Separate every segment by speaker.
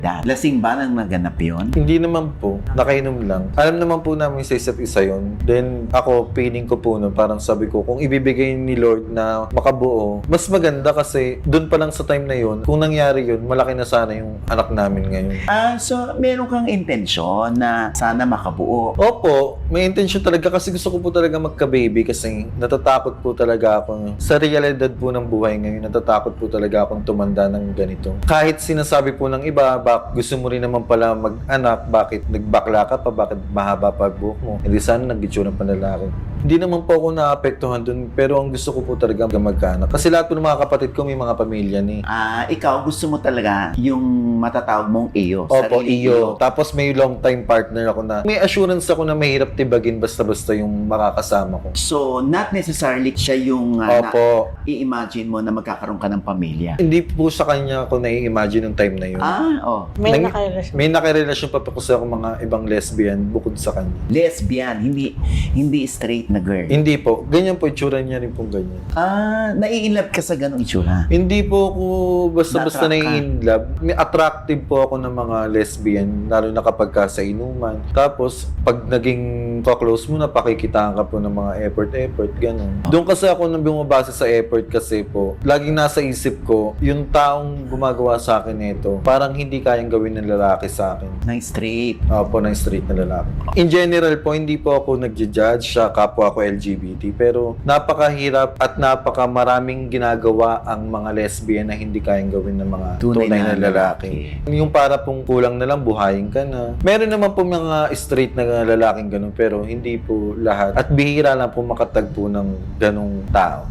Speaker 1: Lasing ba nang naganap yun?
Speaker 2: Hindi naman po. Nakainom lang. Alam naman po namin sa isa't isa yun. Then ako, feeling ko po nun, parang sabi ko, kung ibibigay ni Lord na makabuo, mas maganda kasi dun pa lang sa time na yun, kung nangyari yun, malaki na sana yung anak namin ngayon.
Speaker 1: So meron kang intensyon na sana makabuo.
Speaker 2: Opo, may intention talaga kasi gusto ko po talaga magka-baby kasi natatakot po talaga ako. Sa realidad po ng buhay ngayon, natatakot po talaga akong tumanda ng ganito. Kahit sinasabi po ng iba, gusto mo rin naman pala mag-anak, bakit nagbakla ka pa, bakit mahaba pa buhok mo? Hindi sana nag-itsura pa lalaki. Hindi naman po ako naapektuhan dun, pero ang gusto ko po talaga magkaanak. Kasi lahat po ng mga kapatid ko may mga pamilya ni.
Speaker 1: Ikaw gusto mo talaga yung matatawag mong iyo.
Speaker 2: Opo,
Speaker 1: sarili
Speaker 2: iyo. Tapos may long time partner ako na may assurance ako na mahirap tibagin basta-basta yung makakasama ko.
Speaker 1: So, not necessarily siya yung
Speaker 2: Opo.
Speaker 1: i-imagine mo na magkakaroon ka ng pamilya.
Speaker 2: Hindi po sa kanya ako nai-imagine yung time na yun.
Speaker 3: May nakarelasyon.
Speaker 2: May nakarelasyon pa po kasi ako mga ibang lesbian bukod sa kanya.
Speaker 1: Lesbian, hindi straight na girl.
Speaker 2: Hindi po. Ganyan po, itsura niya rin pong ganyan.
Speaker 1: Nai-inlove ka sa ganong itsura?
Speaker 2: Hindi po ako basta-basta
Speaker 1: Na-attract ka?
Speaker 2: nai-inlove. May attractive po ako ng mga lesbian, lalo na kapag ka sa inuman. Tapos, pag naging ka-close mo na, pakikitaan ka po ng mga effort, ganun. Doon kasi ako nang bumabase sa effort kasi po, laging nasa isip ko, yung taong gumagawa sa akin nito, parang hindi kayang gawin ng lalaki sa akin.
Speaker 1: Ng straight.
Speaker 2: Opo, ng straight na lalaki. In general po, hindi po ako nagja-judge sa kapwa ko LGBT, pero napakahirap at napakamaraming ginagawa ang mga lesbian na hindi kayang gawin ng mga tunay na lalaki. Yung para pong kulang na lang, buhayin ka na. Meron naman po mga straight na lalaking ganun, pero hindi po lahat. At bihira lang po makatagpo ng ganung tao.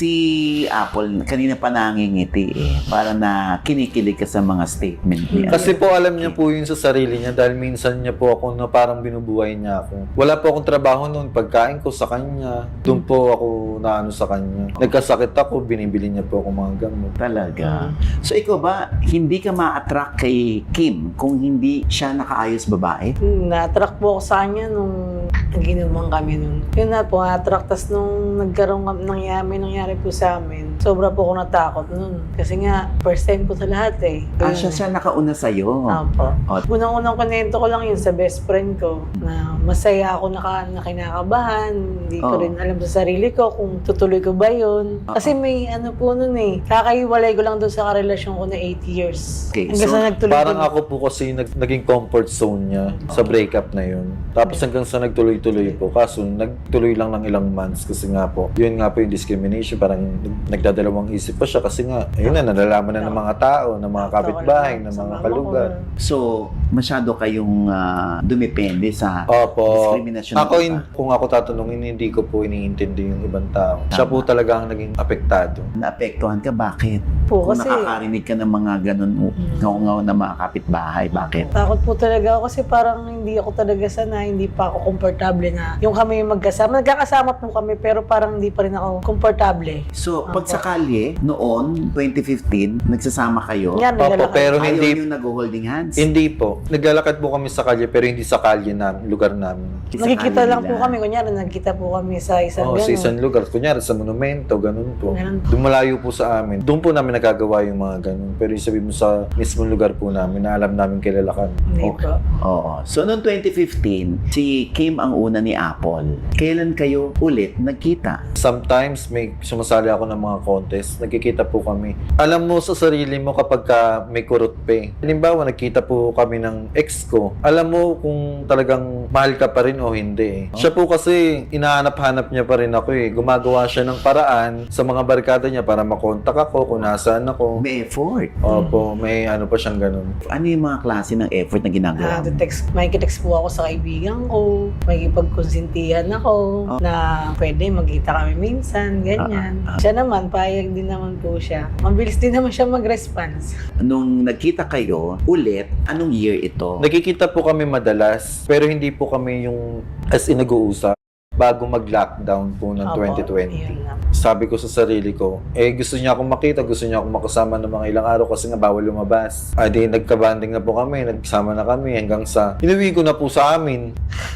Speaker 1: Si Apple, kanina pa nangingiti para na kinikilig ka sa mga statement niya.
Speaker 2: Kasi po alam niya po yun sa sarili niya dahil minsan niya po ako na parang binubuhay niya ako. Wala po akong trabaho noon, pagkain ko sa kanya. Doon po ako naano sa kanya. Nagkasakit ako, binibili niya po ako mga gamot.
Speaker 1: Talaga. So ikaw ba, hindi ka ma-attract kay Kim kung hindi siya nakaayos babae?
Speaker 3: Na-attract po ako sa kanya nung naginuman kami nun. Yun na po, na-attract. Tas nung nagkaroon nangyari po sa amin, sobra po ako natakot nun. Kasi nga, first time ko sa lahat eh.
Speaker 1: Siya nakauna sa'yo.
Speaker 3: Opo.
Speaker 1: Oh.
Speaker 3: Unang-unang kunento ko lang yun sa best friend ko na masaya ako na kinakabahan. Hindi ko rin alam sa sarili ko kung tutuloy ko ba yun. Kasi may ano po nun eh. Kakaiwalay ko lang doon sa karelasyon ko na 8 years.
Speaker 1: Okay,
Speaker 3: Hanggang sa nagtuloy
Speaker 2: Parang ako po kasi naging comfort zone niya sa breakup na yun. Tapos hanggang sa nagtuloy-tuloy po. Kaso nagtuloy lang ng ilang months kasi nga po, yun nga po yung discrimination. Parang nagdadalawang isip pa siya kasi nga, ayun na, nalalaman na ng mga tao, ng mga kapitbahay, ng mga kalugar.
Speaker 1: So, masyado kayong dumepende sa
Speaker 2: Opo.
Speaker 1: discrimination.
Speaker 2: Ako, kung ako tatanungin, hindi ko po iniintindi yung ibang tao. Siya po talaga ang naging apektado.
Speaker 1: Naapektuhan ka, bakit?
Speaker 3: po
Speaker 1: Kung
Speaker 3: kasi
Speaker 1: nakakarinig ka ng mga ganun ngaw-ngaw na mga kapitbahay, bakit?
Speaker 3: takot po talaga ako kasi parang hindi ako talaga sanay, hindi pa ako komportable na yung kami magkasama. Nagkakasama po kami pero parang hindi pa rin ako komportable.
Speaker 1: So, pag sa kalye, noon, 2015, nagsasama kayo,
Speaker 3: Yan,
Speaker 2: Opo,
Speaker 3: naglalakad.
Speaker 2: pero
Speaker 1: ayaw
Speaker 2: hindi
Speaker 1: yung nag-holding hands.
Speaker 2: Hindi po. Naglalakad po kami sa kalye pero hindi sa kalye na lugar namin.
Speaker 1: Sa
Speaker 3: Nakikita
Speaker 1: kalye
Speaker 3: lang po
Speaker 1: nila.
Speaker 3: kami, kunyari nagkita po kami sa isang
Speaker 2: Sa
Speaker 3: gano'n.
Speaker 2: isang lugar. Kunyari sa monumento, ganun po.
Speaker 3: Ganun po.
Speaker 2: Dumalayo po sa amin. Doon po namin nagagawa yung mga ganun. Pero yung sabi mo sa mismong lugar po namin na alam namin kilala ka.
Speaker 3: Hindi po.
Speaker 1: Oo. So, noong 2015, si Kim ang una ni Apple. Kailan kayo ulit nagkita?
Speaker 2: Sometimes may sumasali ako ng mga contest. Nagkikita po kami. Alam mo sa sarili mo kapag ka may kurot pa eh. Halimbawa, nagkita po kami ng ex ko. Alam mo kung talagang mahal ka pa rin o hindi eh. Siya po kasi inahanap-hanap niya pa rin ako eh. Gumagawa siya ng paraan sa mga barkada niya para makontak ako kung nasaan ako.
Speaker 1: May effort.
Speaker 2: Opo, may ano pa siyang ganun.
Speaker 1: Ano yung mga klase ng effort na ginagawa mo?
Speaker 3: Makikitext po ako sa kaibigan ko, makikipagkonsintihan ako, na pwede magkita kami minsan, ganyan. Siya naman, payag din naman po siya. Mabilis din naman siya mag-response.
Speaker 1: Nung nagkita kayo ulit, anong year ito?
Speaker 2: Nagkikita po kami madalas, pero hindi po kami yung as in nag-uusap bago mag-lockdown po ng
Speaker 3: Opo,
Speaker 2: 2020.
Speaker 3: yun nga.
Speaker 2: Sabi ko sa sarili ko, gusto niya akong makita, gusto niya akong makasama ng mga ilang araw kasi nga bawal lumabas. Di nagka-banding na po kami, nagsama na kami hanggang sa inuwi ko na po sa amin.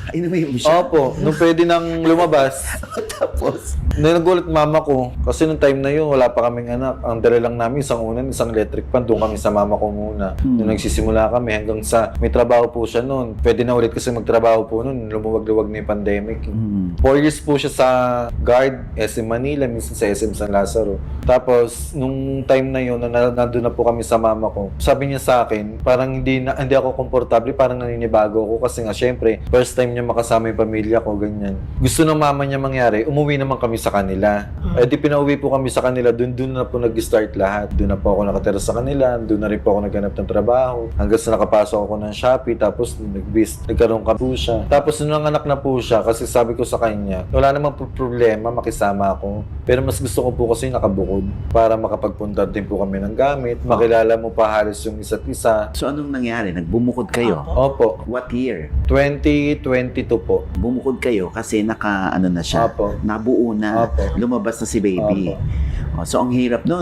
Speaker 1: Inumin mo siya.
Speaker 2: Opo, nung pwede nang lumabas,
Speaker 1: Tapos,
Speaker 2: nagulat mama ko. Kasi nung time na yun, wala pa kaming anak. Ang dala lang namin, isang unan, isang electric fan. Doon kami sa mama ko muna. Nung nagsisimula kami hanggang sa may trabaho po siya noon. Pwede na ulit kasi magtrabaho po noon. Lumuwag-luwag na yung pandemic. 4 years po siya sa guard, SM Manila, minsan sa SM San Lazaro. Tapos, nung time na yun, nandun na po kami sa mama ko, sabi niya sa akin, parang hindi ako komportable, parang naninibago ako kasi nga, syempre, first time niya makasama yung pamilya ko, ganyan. Gusto ng mama niya mangyari, umuwi naman kami sa kanila. Eh di pinauwi po kami sa kanila, dun na po nag-start lahat. Doon na po ako nakatira sa kanila, doon na rin po ako naghanap ng trabaho. Hanggang sa nakapasok ako ng Shopee, tapos nagkaroon ka po siya. Tapos nung nanganak na po siya, kasi sabi ko sa kanya, wala namang problema, makisama ako. Pero mas gusto ko po kasi nakabukod para makapagpunta din po kami ng gamit, makilala mo pa halos yung isa't isa.
Speaker 1: so anong nangyari? Nagbumukod kayo?
Speaker 2: Opo,
Speaker 1: What year?
Speaker 2: 2022 po.
Speaker 1: Bumukod kayo kasi ano na siya,
Speaker 2: Opo.
Speaker 1: nabuo na,
Speaker 2: Opo.
Speaker 1: lumabas na si baby.
Speaker 2: Opo.
Speaker 1: So ang hirap nun.